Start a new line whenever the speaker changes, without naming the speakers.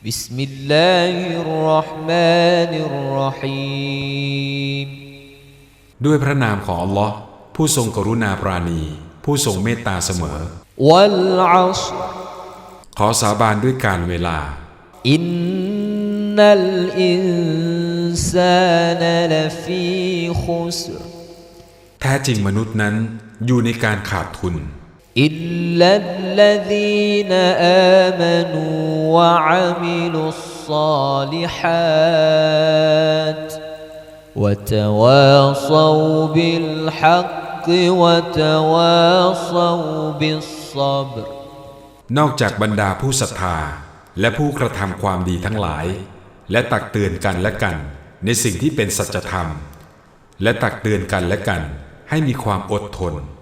بسم الله الرحمن الرحيم
ด้วยพระนามของอัลลอฮ์ผู้ทรงกรุณาปราณีผู้ทรงเมตตาเสมอ
والعصر
ขอสาบานด้วยการเวลา
إن الإنسان لفي خسر
แท้จริงมนุษย์นั้นอยู่ในการขาดทุน
إلا الذين آمنوا وعملوا الصالحات وتواصوا بالحق وتواصوا بالصبر
นอกจากบรรดาผู้ศรัทธาและผู้กระทำความดีทั้งหลายและตักเตือนกันและกันในสิ่งที่เป็นสัจธรรมและตักเตือนกันและกันให้มีความอดทน